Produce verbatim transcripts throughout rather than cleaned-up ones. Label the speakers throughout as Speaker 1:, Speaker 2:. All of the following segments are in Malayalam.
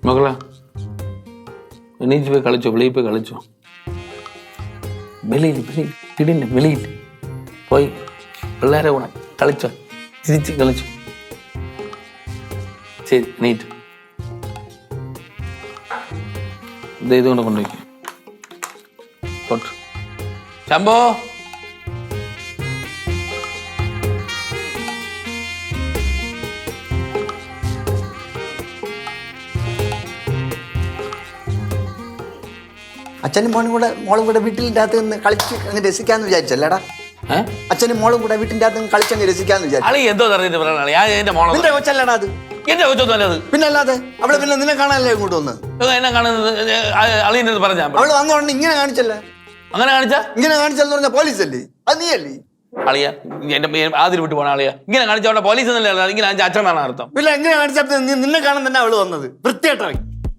Speaker 1: മകളാ എണീച്ച് പോയി കളിച്ചോ, വെളിയിൽ പോയി കളിച്ചോ. വെളിയിൽ വെളിയിൽ വീടിൻ്റെ വെളിയിൽ പോയി പിള്ളേരെ കൂടെ കളിച്ചോ, ചിരിച്ച് കളിച്ചോ. ശരി എണീറ്റ് ഇത് ഇതുകൊണ്ട് കൊണ്ടുപോയി കൊട്ടു. ശംഭോ
Speaker 2: അച്ഛനും മോനും കൂടെ മോളും കൂടെ വീട്ടിൻ്റെ അകത്ത് നിന്ന് കളിച്ച് അങ്ങ് രസിക്കാന്ന് വിചാരിച്ചല്ലേടാ? അച്ഛനും മോളും കൂടെ വീട്ടിൻ്റെ അകത്ത് നിന്ന് കളിച്ചങ്ങ് രസിക്കാന്ന് വിചാരിച്ചു.
Speaker 1: എന്തോ
Speaker 2: നിന്റെ കൊച്ചല്ലടാ അത്?
Speaker 1: എന്റെ കൊച്ചൊന്നുമല്ലത്.
Speaker 2: പിന്നെ അല്ലാതെ അവളെ പിന്നെ നിന്നെ കാണാനല്ലേ ഇങ്ങോട്ട് വന്ന്?
Speaker 1: എന്നെ കാണുന്നത് അളിയൻ്റെ പറഞ്ഞാ
Speaker 2: അവള് വന്നോണ്ട് ഇങ്ങനെ കാണിച്ചല്ലേ?
Speaker 1: അങ്ങനെ കാണിച്ചാ
Speaker 2: ഇങ്ങനെ കാണിച്ചെന്ന് പറഞ്ഞ പോലീസല്ലേ? അത് നീയല്ലേ?
Speaker 1: അളിയ എന്റെ ആദ്യം വിട്ടു പോണ അളിയ ഇങ്ങനെ കാണിച്ചവിടെ പോലീസ് എന്നല്ലേ ഇങ്ങനെ അച്ഛൻ എന്നാണ് അർത്ഥം.
Speaker 2: പിന്നെ എങ്ങനെ കാണിച്ചപ്പോ നിന്നെ കാണാൻ തന്നെ അവള് വന്നത്? വൃത്തിയായിട്ടായി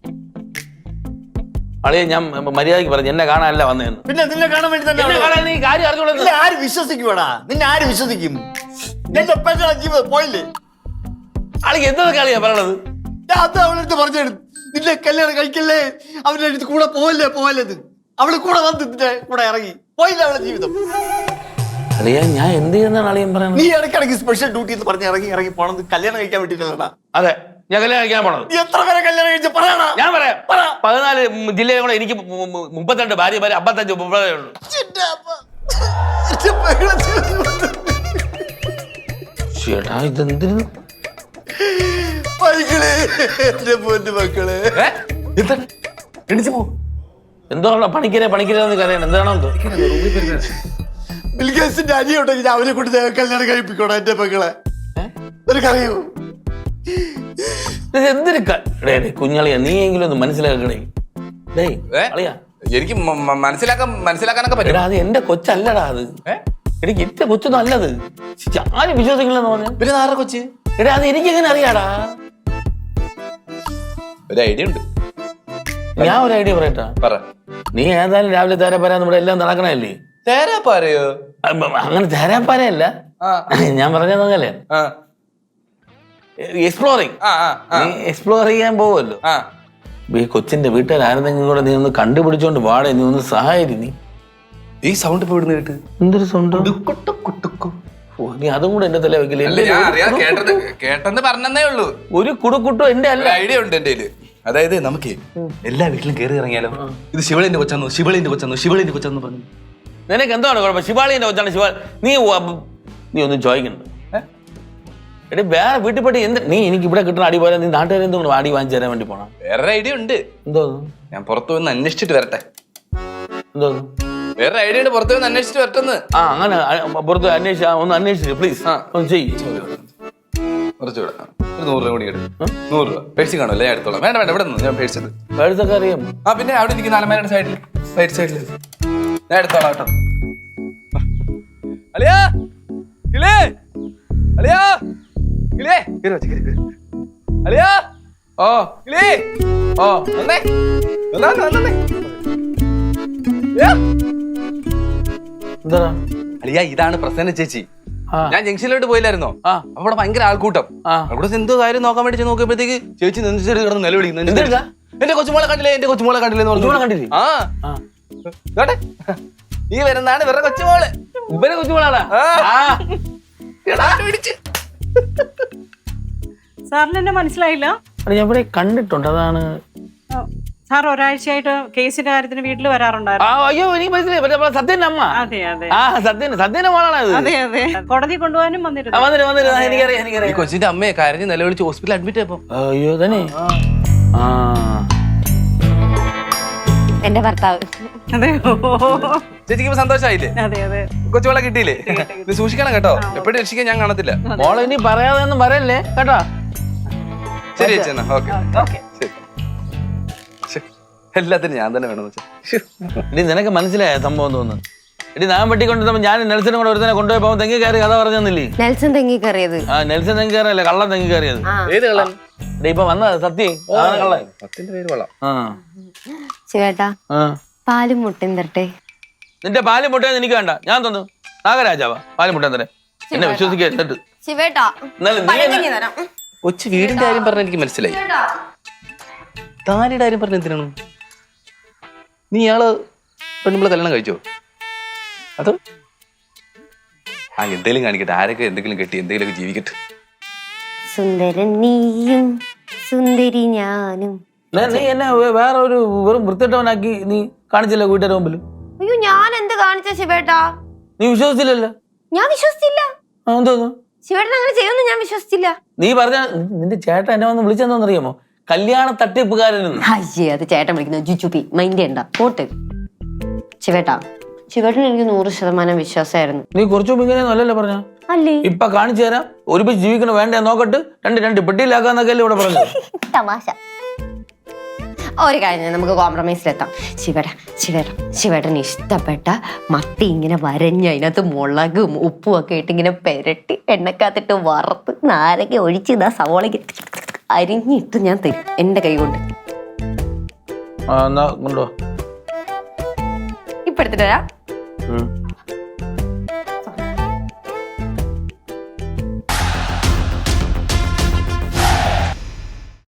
Speaker 1: അളിയ ഞാൻ മര്യാദക്ക് പറഞ്ഞു എന്നെ കാണാനല്ല വന്നതെന്ന്.
Speaker 2: പിന്നെ നിന്നെ കാണാൻ വേണ്ടി തന്നെ
Speaker 1: കാര്യം അറിഞ്ഞോളൂ.
Speaker 2: ആര് വിശ്വസിക്കുവാടാ? നിന്നെ ആര് വിശ്വസിക്കും? എന്റെ ജീവിതം പോയില്ലേ?
Speaker 1: അളിക്ക് എന്തൊക്കെ അളിയാ പറയണത്?
Speaker 2: അത് അവളടുത്ത് പറഞ്ഞു നിന്റെ കല്യാണം കഴിക്കല്ലേ, അവരുടെ അടുത്ത് കൂടെ പോവല്ലേ പോവല്ലത്. അവള് കൂടെ വന്ന് നിന്റെ കൂടെ ഇറങ്ങി പോയില്ല അവളുടെ ജീവിതം.
Speaker 1: അളിയ ഞാൻ എന്ത് ചെയ്യുന്നതാണ് അളിയൻ പറയുന്നത്?
Speaker 2: നീ ഇടയ്ക്കിടയ്ക്ക് സ്പെഷ്യൽ ഡ്യൂട്ടി എന്ന് പറഞ്ഞ് ഇറങ്ങി ഇറങ്ങി പോണത് കല്യാണം കഴിക്കാൻ വേണ്ടിയിട്ടാ.
Speaker 1: അതെ ഞാൻ കല്യാണം കഴിക്കാൻ പോണത്.
Speaker 2: എത്ര പേരെ കല്യാണം കഴിച്ച പറയണ?
Speaker 1: ഞാൻ പറയാം പതിനാല് ജില്ലയിൽ കൂടെ എനിക്ക് മുപ്പത്തിരണ്ട് ഭാര്യ ഭാര്യ അമ്പത്തഞ്ച് മുപ്പതേ ഉള്ളൂ. ചേട്ടാ ഇതെന്തിനു
Speaker 2: എന്റെ പൊന്നു മക്കളെ
Speaker 1: എണിച്ചു പോ. എന്തോ പണിക്കരെ പണിക്കരെന്ന് കറിയണം എന്താണോ എന്തോ.
Speaker 2: ബിൽഗേറ്റ്സിന്റെ അനിയുണ്ടെങ്കിൽ അവനെ കൊണ്ട് കല്യാണം കഴിപ്പിക്കണോ എന്റെ മക്കളെ? നിനക്കറിയോ
Speaker 1: എന്തൊരു കുഞ്ഞളിയാ? നീ എങ്കിലും ഒന്ന് മനസ്സിലാക്കണേ.
Speaker 3: എനിക്ക് മനസ്സിലാക്കാൻ മനസ്സിലാക്കാനൊക്കെ പറ്റും.
Speaker 1: അത് എന്റെ കൊച്ചല്ലടാ അത്. എനിക്ക് ഇറ്റ കൊച്ചൊന്നും അല്ലത്. ആരും വിശ്വസിക്കില്ലെന്ന് പറഞ്ഞു.
Speaker 3: പിന്നെ ആരുടെ കൊച്ച്?
Speaker 1: എടാ അത് എനിക്കെങ്ങനെ അറിയാടാ?
Speaker 3: ഒരു ഐഡിയ ഉണ്ട്.
Speaker 1: ഞാൻ ഒരു ഐഡിയ പറയട്ടാ.
Speaker 3: പറ.
Speaker 1: നീ ഏതായാലും രാവിലെ തേരാപ്പാര നമ്മുടെ എല്ലാം നടക്കണല്ലേ?
Speaker 3: തേരാപ്പാരയോ?
Speaker 1: അങ്ങനെ തേരാപ്പാരയല്ല ഞാൻ പറഞ്ഞതല്ലേ, എക്സ്പ്ലോറിങ്. നീ എക്സ്പ്ലോർ ചെയ്യാൻ പോവല്ലോ. ഈ കൊച്ചിന്റെ വീട്ടുകാരെന്തെങ്കിലും കൂടെ നീ ഒന്ന് കണ്ടുപിടിച്ചോണ്ട് വാടേ, നീ ഒന്ന് സഹായിരി. നീ
Speaker 3: ഈ സൗണ്ട് ഇപ്പൊ ഇവിടുന്ന് കേട്ട്
Speaker 1: എന്തൊരു സൗണ്ട്? നീ അതും കൂടെ എന്റെ തല വെക്കില്ലേ?
Speaker 3: കേട്ടെന്ന് പറഞ്ഞേ ഉള്ളൂ.
Speaker 1: ഒരു കുടുക്കുട്ടോ എന്റെ അല്ല.
Speaker 3: ഐഡിയ ഉണ്ട് എന്റെ കയ്യില്. അതായത് നമുക്ക് എല്ലാ വീട്ടിലും കയറി ഇറങ്ങിയാലോ? ഇത് ശിവളിന്റെ കൊച്ചാന്നു ശിവളിന്റെ കൊച്ചാന്നു ശിവളിന്റെ കൊച്ചാന്ന് പറഞ്ഞു.
Speaker 1: നിനക്ക് എന്താണ് കുഴപ്പം? ശിവാളിന്റെ കൊച്ചാണ് ശിവ. നീ നീ ഒന്നും ചോദിക്കണ്ട. എടി വേറെ വീട്ടിൽ പോയിട്ട് എന്ത് നീ എനിക്ക് ഇവിടെ കിട്ടുന്ന അടി പോലെ നീ നാട്ടുകാരെ എന്തുകൊണ്ട് അടി വാങ്ങിച്ചു തരാൻ വേണ്ടി പോണം?
Speaker 3: വേറെ ഐഡിയ ഉണ്ട്.
Speaker 1: എന്തോ?
Speaker 3: ഞാൻ പുറത്തു വന്ന് അന്വേഷിച്ചിട്ട് വരട്ടെ.
Speaker 1: എന്തോ?
Speaker 3: വേറെ ഐഡിയ ഉണ്ട്, പുറത്തു വന്ന് അന്വേഷിച്ചിട്ട് വരട്ടെന്ന്.
Speaker 1: ആ അങ്ങനെ പുറത്ത് അന്വേഷിച്ച ഒന്ന് അന്വേഷിച്ചു പ്ലീസ്. ഒന്ന് ചെയ്യ്.
Speaker 3: കുറച്ചുകൂടെ ഒരു നൂറ് രൂപ കൂടി എടുക്കും. നൂറ് രൂപ പേഴ്സി കാണുമല്ലേ? ഞാൻ എടുത്തോളാം. വേണ്ട വേണ്ട ഇവിടെ നിന്ന് ഞാൻ പേഴ്സത്.
Speaker 1: പേഴ്സൊക്കെ അറിയാം.
Speaker 3: ആ പിന്നെ അവിടെ ഇരിക്കുന്ന അലമാരയുടെ സൈഡിൽ റൈറ്റ് സൈഡിൽ ഞാൻ എടുത്തോളാം കേട്ടോ. അളിയാ കിളേ അളിയാ കിളേ കേറി വെച്ച് കേറി അളിയാ. ഓ കിളേ ഓ വന്നേ വന്നേ വന്നേ.
Speaker 1: എന്താ
Speaker 3: അളിയാ ഇതാണ് പ്രസന്ന ചേച്ചി. ഞാൻ ജംഗ്ഷനിലോട്ട് പോയില്ലായിരുന്നോ? അവിടെ ഭയങ്കര ആൾക്കൂട്ടം. അവിടെ എന്തോ കാര്യം നോക്കാൻ വേണ്ടി നോക്കിയപ്പോഴത്തേക്ക് ചേച്ചി നെഞ്ചിട്ട് കിടന്ന് നിലവിളിക്കുന്നു. എന്റെ കൊച്ചുമോളെ കണ്ടില്ലേ എന്റെ കൊച്ചുമോളെ കണ്ടില്ലേ? ആ ഈ വരുന്നതാണ് ഇവരുടെ കൊച്ചുമോള്.
Speaker 1: ഇവരെ കൊച്ചുമോളാണ്.
Speaker 4: സാറിന് എന്നെ മനസ്സിലായില്ല?
Speaker 1: ഞാൻ ഇവിടെ കണ്ടിട്ടുണ്ട്. അതാണ്
Speaker 4: സാർ ഒരാഴ്ചയായിട്ട് കേസിന്റെ കാര്യത്തിന് വീട്ടിൽ വരാറുണ്ടായിരുന്നു.
Speaker 1: അയ്യോ എനിക്ക് മനസ്സിലായി. സത്യന്റെ അമ്മ.
Speaker 4: അതെ അതെ
Speaker 1: ആ സത്യന്റെ സത്യന്റെ മോളാണ്.
Speaker 4: അതെ അതെ കോടതി കൊണ്ടുപോകാനും വന്നിരുന്നു.
Speaker 1: വന്നിട്ട് വന്നിട്ട് എനിക്കറിയാം എനിക്കറിയാം.
Speaker 3: കൊച്ചിന്റെ അമ്മയെ കരഞ്ഞ് നിലവിളിച്ച് ഹോസ്പിറ്റലിൽ അഡ്മിറ്റ് ആയപ്പോ.
Speaker 1: അയ്യോ തന്നെ ആ
Speaker 5: എന്റെ ഭർത്താവ്.
Speaker 3: ചേച്ചിക്ക് സന്തോഷമായില്ലേ?
Speaker 4: അതെ അതെ
Speaker 3: കൊച്ചുമോളെ കിട്ടിയില്ലേ? ഇത് സൂക്ഷിക്കണം കേട്ടോ, എപ്പോഴും രക്ഷിക്കാൻ ഞാൻ കാണത്തില്ല.
Speaker 1: മോളെ ഇനി പറയാതെ ഒന്നും പറയല്ലേ കേട്ടോ?
Speaker 3: ശരി ചേച്ചി എന്നാ ഓക്കെ. എല്ലാത്തിനും ഞാൻ തന്നെ വേണം.
Speaker 1: ഇനി നിനക്ക് മനസ്സിലായ സംഭവം തോന്നുന്നു. ഇനി ഞാൻ വെട്ടിക്കൊണ്ടിരുന്നപ്പോ ഞാൻ നെൽസനും കൂടെ ഒരുത്തനെ കൊണ്ടുപോയപ്പോ തെങ്ങി കയറി കഥ പറഞ്ഞില്ലേ?
Speaker 5: നെൽസൺ തെങ്ങി കയറിയത്.
Speaker 1: ആ നെൽസൺ തെങ്ങി കയറിയല്ലേ കള്ളം തെങ്ങി കയറിയത്.
Speaker 3: ഏത് കള്ളൻ?
Speaker 1: ഇപ്പൊ വന്നത് സത്യം കള്ളൻ.
Speaker 3: സത്യന്റെ പേര് കൊള്ളാം.
Speaker 5: ശിവേട്ടാ പാലും മുട്ടയും തരട്ടെ.
Speaker 1: നിന്റെ പാലും മുട്ടയെന്ന് എനിക്ക് വേണ്ട, ഞാൻ തന്നു. നാഗരാജാവാ പാലും മുട്ടയും തരേ. എന്നെ വിശ്വസിക്കരുത്.
Speaker 5: ശിവേട്ടാ
Speaker 3: കൊച്ചു വീടിന്റെ കാര്യം പറഞ്ഞ എനിക്ക് മനസ്സിലായി. താലിയുടെ കാര്യം പറഞ്ഞ എന്തിനാണ്? നീ ഇയാള് പെണ്ണുമ്പളെ കല്യാണം കഴിച്ചോ? അത് ആ എന്തെങ്കിലും കാണിക്കട്ടെ, ആരൊക്കെ എന്തെങ്കിലും കെട്ടി എന്തെങ്കിലുമൊക്കെ ജീവിക്കട്ടെ.
Speaker 5: സുന്ദരൻ നീയും സുന്ദരി ഞാനും.
Speaker 1: നീ നീ എന്നെ വേ- വേറെ ഒരു വെറും വൃത്തിട്ടവനാക്കി നീ കാണിച്ചില്ല വീട്ടുകാരുടെ മുമ്പിൽ.
Speaker 5: അയ്യോ ഞാൻ എന്ത് കാണിച്ച ശിവേട്ടാ?
Speaker 1: നീ വിശ്വസിച്ചില്ലല്ലോ.
Speaker 5: ഞാൻ വിശ്വസിച്ചില്ല.
Speaker 1: ആ, എന്തോന്നു
Speaker 5: ശിവേട്ടൻ അങ്ങനെ ചെയ്യുമെന്ന് ഞാൻ വിശ്വസിച്ചില്ല.
Speaker 1: നീ പറഞ്ഞ നിന്റെ ചേട്ടൻ എന്നെ വന്ന് വിളിച്ചെന്നറിയാമോ? കല്യാണ തട്ടിപ്പുകാരനെന്ന്.
Speaker 5: അയ്യേ അത് ചേട്ടൻ വിളിക്കുന്ന ജുജുപി മൈൻഡ് ഉണ്ടാ പോട്ട്. ശിവേട്ടാ ശിവേട്ടൻ എനിക്ക് നൂറ് ശതമാനം വിശ്വാസമായിരുന്നു.
Speaker 1: നീ കുറച്ചു മുമ്പ് ഇങ്ങനെയൊന്നും അല്ലല്ലോ പറഞ്ഞ.
Speaker 5: അല്ലേ
Speaker 1: ഇപ്പൊ കാണിച്ചു തരാം, ഒരുമിച്ച് ജീവിക്കണ വേണ്ട നോക്കട്ട് രണ്ട് രണ്ട് പെട്ടിയിലാക്കാന്നൊക്കെ അല്ലേ ഇവിടെ പറഞ്ഞു.
Speaker 5: തമാശ. ഒരു കാര്യം നമുക്ക് കോംപ്രമൈസിലെത്താം. ശിവേട്ട ശിവേട്ട ശിവേട്ടന് ഇഷ്ടപ്പെട്ട മത്തി ഇങ്ങനെ വരഞ്ഞ് അതിനകത്ത് മുളകും ഉപ്പും ഒക്കെ ഇട്ട് ഇങ്ങനെ പെരട്ടി എണ്ണക്കകത്തിട്ട് വറുത്ത് നാരങ്ങ ഒഴിച്ച് ഇതാ സവോളയ്ക്ക് അരിഞ്ഞിട്ട് ഞാൻ തരും എന്റെ കൈ കൊണ്ട്.
Speaker 1: ആ എന്നാ കൊണ്ടുവാ.
Speaker 5: ഇപ്പൊ എടുത്തിട്ട് വരാം.
Speaker 1: ഉം.